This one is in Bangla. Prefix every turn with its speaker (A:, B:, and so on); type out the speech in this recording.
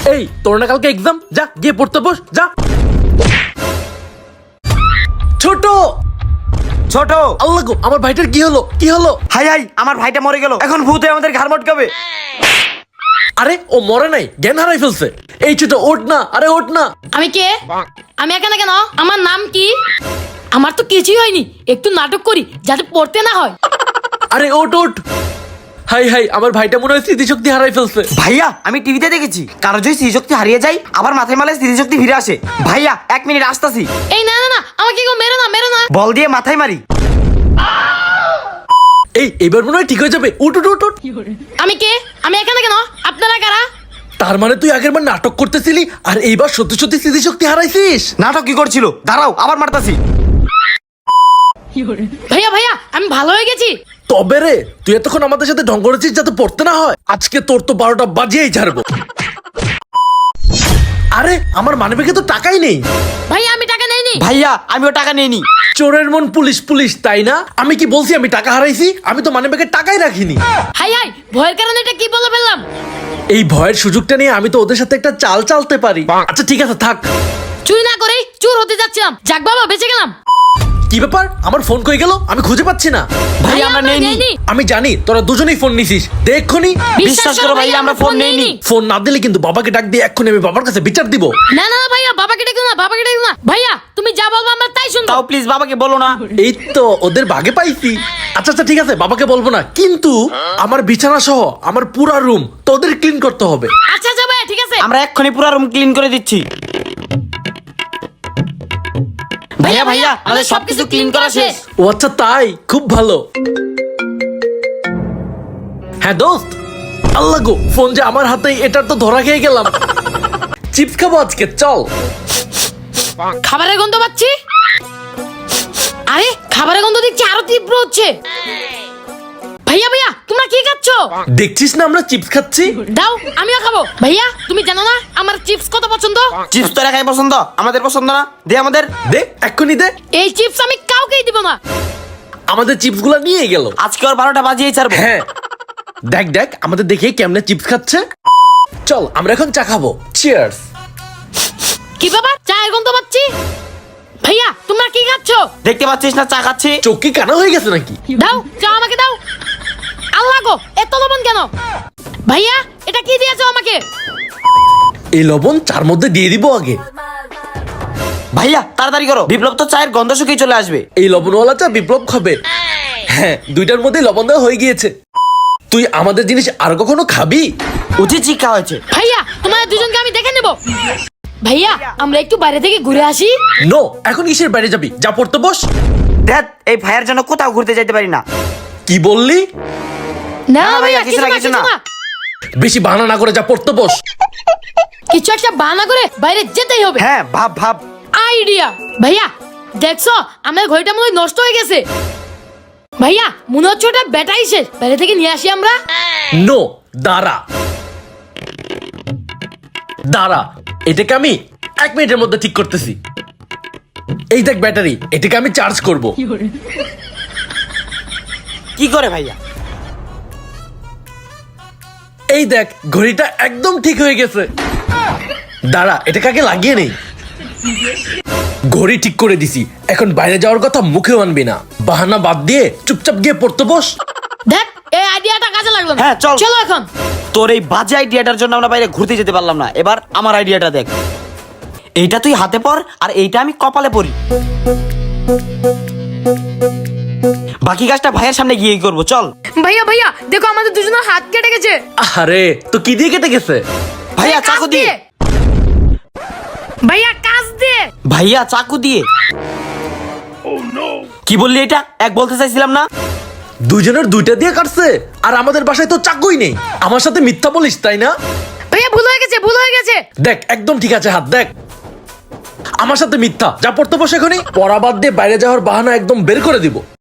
A: এই তোর না কালকে এক্সাম, যা গিয়ে পড়তে বস যা। ছোট
B: ছোট
A: আল্লাহ গো, আমার ভাইটার কি হলো কি হলো?
B: হাই হাই, আমার ভাইটা মরে গেল, এখন ভূতে আমাদের ঘাড় মটকাবে।
A: আরে ও মরে নাই, জ্ঞান হারাই ফেলছে। এই ছোট ওঠ না, আরে ওঠ না।
C: আমি কে? আমি এখানে কেন? আমার নাম কি? আমার তো কিছুই হয়নি, একটু নাটক করি যাতে পড়তে না হয়।
A: আরে ওঠ ওঠ। হাই হাই, আমার ভাইটা মনে হয় স্মৃতিশক্তি হারাই ফেলছে।
B: ভাইয়া, আমি টিভিতে দেখেছি কারো যদি স্মৃতিশক্তি হারিয়ে যায় আবার মাথায় মালে স্মৃতিশক্তি ফিরে আসে। ভাইয়া 1 মিনিট আসতাছি।
C: এই না না না, আমাকে কেউ মেরো না মেরো না।
B: বল দিয়ে মাথায় মারি।
A: এই এবার মনে হয় ঠিক হয়ে যাবে, উঠ উঠ উঠ উঠ।
C: আমি কে? আমি এখানে কেন? আপনারা কারা?
A: তার মানে তুই আগের বার নাটক করতেছিলি আর এইবার সত্যি সত্যি স্মৃতিশক্তি হারাইছিস।
B: নাটক কি করছিল? দাঁড়াও, আবার মারতাছি।
C: ভাইয়া ভাইয়া, আমি ভালো হয়ে গেছি।
A: তবে রে, তুই এতক্ষণ আমাদের সাথে ঢং করেছিস যাতে পড়তে না হয়। আজকে তোর তো 12টা বাজিয়েই ছাড়বো। আরে আমার মানিব্যাগে তো টাকাই নেই।
C: ভাইয়া আমি টাকা নেইনি।
B: ভাইয়া, আমিও টাকা নিইনি।
A: চোরের মন পুলিশ পুলিশ, তাই না? আমি কি বলছি আমি টাকা হারাইছি? আমি তো মানিব্যাগে টাকাই রাখিনি।
C: হাই হাই, ভয়ের কারণে এটা কি বলে ফেললাম।
A: এই ভয়ের সুযোগটা নিয়ে আমি তো ওদের সাথে একটা চাল চালতে পারি। আচ্ছা ঠিক আছে থাক।
C: চুরি না করেই চোর হতে যাচ্ছিলাম, যাক বাবা বেঁচে গেলাম।
A: কি ব্যাপার, আমার ফোন কই গেল? আমি খুঁজে পাচ্ছি না।
B: ভাইয়া, আমরা নেইনি।
A: আমি জানি তোরা দুজনেই ফোন নিছিস, দেখখনি।
B: বিশ্বাস করো ভাইয়া, আমরা ফোন নেইনি।
A: ফোন না দিলে কিন্তু বাবাকে ডাক দিয়ে এক্ষুনি আমি বাবার কাছে বিচার দিব।
C: না না না ভাইয়া, বাবাকে ডেকো না, বাবাকে ডেকো না। ভাইয়া তুমি যা বলবো আমরা তাই শুনবো।
B: তাও প্লিজ বাবাকে বলো না।
A: এই তো ওদের ভাগে পাইছি। আচ্ছা আচ্ছা ঠিক আছে, বাবাকে বলবো না, কিন্তু আমার বিছানা সহ আমার পুরা রুম তোদের ক্লিন করতে হবে।
C: আচ্ছা আচ্ছা ভাইয়া ঠিক আছে।
B: আমরা এক্ষুনি পুরো রুম ক্লিন করে দিচ্ছি। ভাইয়া ভাইয়া, আমাদের সবকিছু ক্লিন করা শেষ।
A: ও আচ্ছা তাই, খুব ভালো। হ্যাঁ দোস্ত, আল্লাহ গো, ফোন যে আমার হাতেই, এটার তো ধরা খেয়ে গেলাম। চিপস খাবো আজকে, চল।
C: খাবারের গন্ধ পাচ্ছি। আরে খাবারের গন্ধ দেখছি আরো তীব্র হচ্ছে। ভাইয়া ভাইয়া, তোমরা কি খাচ্ছো?
A: দেখছিস না আমরা চিপস খাচ্ছি।
C: দাও আমিও খাবো। ভাইয়া তুমি জানো না আমার চিপস কত পছন্দ?
B: চিপস তো রাখাই পছন্দ, আমাদের পছন্দ না। দে আমাদের।
A: দে এক্ষুনি দে।
C: এই চিপস আমি কাউকেই দিব না।
A: আমাদের চিপস গুলা নিয়ে গেল।
B: আজকে ওর 12টা বাজিয়েই ছাড়বো।
A: হ্যাঁ দেখ দেখ, আমাদের দেখে কেমনে চিপস খাচ্ছে। চল আমরা এখন চা খাবো। চিয়ার্স।
C: কি বাবা, চায়ের গন্ধ পাচ্ছি। ভাইয়া তোমরা কি খাচ্ছো?
B: দেখতে পাচ্ছিস না চা খাচ্ছি?
A: চোখ কি কানা হয়ে গেছে নাকি?
C: দাও চা আমাকে দাও। আল্লাহ গো, এত লবণ কেন? ভাইয়া এটা কি দিয়েছো আমাকে?
A: এই লবণ চার মধ্যে দিয়ে দিব আগে।
B: ভাইয়া তাড়াতাড়ি করো, বিপ্লব তো চায়ের গন্ধ শুকিয়ে চলে আসবে।
A: এই লবণওয়ালা চা বিপ্লব খাবে। হ্যাঁ, দুইটার মধ্যে লবণ দেওয়া হয়ে গিয়েছে। তুই আমাদের জিনিস আর কখনো খাবি?
B: উচিত শিক্ষা হয়েছে।
C: ভাইয়া তোমাদের দুজনকে আমি দেখে নেব। ভাইয়া আমরা একটু বাইরে থেকে ঘুরে আসি।
A: নো, এখন কিসের বাইরে যাবি? যা পড়তে বস।
B: দেখ, এই ভাইয়ের জন্য কোথাও ঘুরতে যেতে পারি না।
A: কি বললি?
C: না
B: না,
C: ভাইয়া
B: ভাইয়া, কিছু না,
C: কিছু
B: কিছু
C: না।
B: না।
A: বেশি বাহানা না করে যা পড়তে বস।
C: কিছু একটা বাহানা করে বাইরে যেতেই হবে।
B: হ্যাঁ, ভাব ভাব।
C: আইডিয়া। ভাইয়া দেখছো আমার ঘড়িটা মনে হয় নষ্ট হয়ে গেছে। ভাইয়া মনে হচ্ছে ওটা ব্যাটারি শেষ, বাইরে থেকে নিয়ে আসি আমরা।
A: নো, দাঁড়া দাঁড়া, এটাকে আমি 1 মিনিটের মধ্যে ঠিক করতেছি। এই দেখ ব্যাটারি, এটাকে আমি চার্জ করব।
B: কি করে ভাইয়া?
A: এই দেখ ঘড়িটা একদম ঠিক হয়ে গেছে। দাঁড়া, এটাকে আগে লাগিয়ে নেই। ঘড়ি ঠিক করে দিছি, এখন বাইরে যাওয়ার কথা মুখেও আনবি না। বাহানা বাদ দিয়ে চুপচাপ গিয়ে পড়তে বস।
C: দেখ এই আইডিয়াটা কাজে লাগলো না।
B: হ্যাঁ, চল।
C: চলো এখন।
B: তোর এই বাজে আইডিয়াটার জন্য আমরা বাইরে ঘুরতে যেতে পারলাম না। এবার আমার আইডিয়াটা দেখ। এইটা তুই হাতে পর আর এইটা আমি কপালে পরি। বাকি কাজটা ভাইয়ের সামনে গিয়েই করবো, চল।
C: ভাইয়া ভাইয়া দেখো আমাদের দুজনের হাত কেটে গেছে।
A: আরে তো কি দিয়ে কেটে গেছে?
B: ভাইয়া চাকু দিয়ে।
C: ভাইয়া কাজ দিয়ে।
B: ভাইয়া চাকু দিয়ে। কি বললি এটা? এক বলতে চাইছিলাম না?
A: দুজনের দুইটা দিয়ে কাটছে, আর আমাদের বাসায় তো চাকুই নেই। আমার সাথে মিথ্যা বলিস তাই না?
C: ভাইয়া ভুল হয়ে গেছে, ভুল হয়ে গেছে।
A: দেখ একদম ঠিক আছে, হাত দেখ। আমার সাথে মিথ্যা, যা পড়তে বসে এখনই। পড়া বাদ দিয়ে বাইরে যাওয়ার বাহানা একদম বের করে দিব।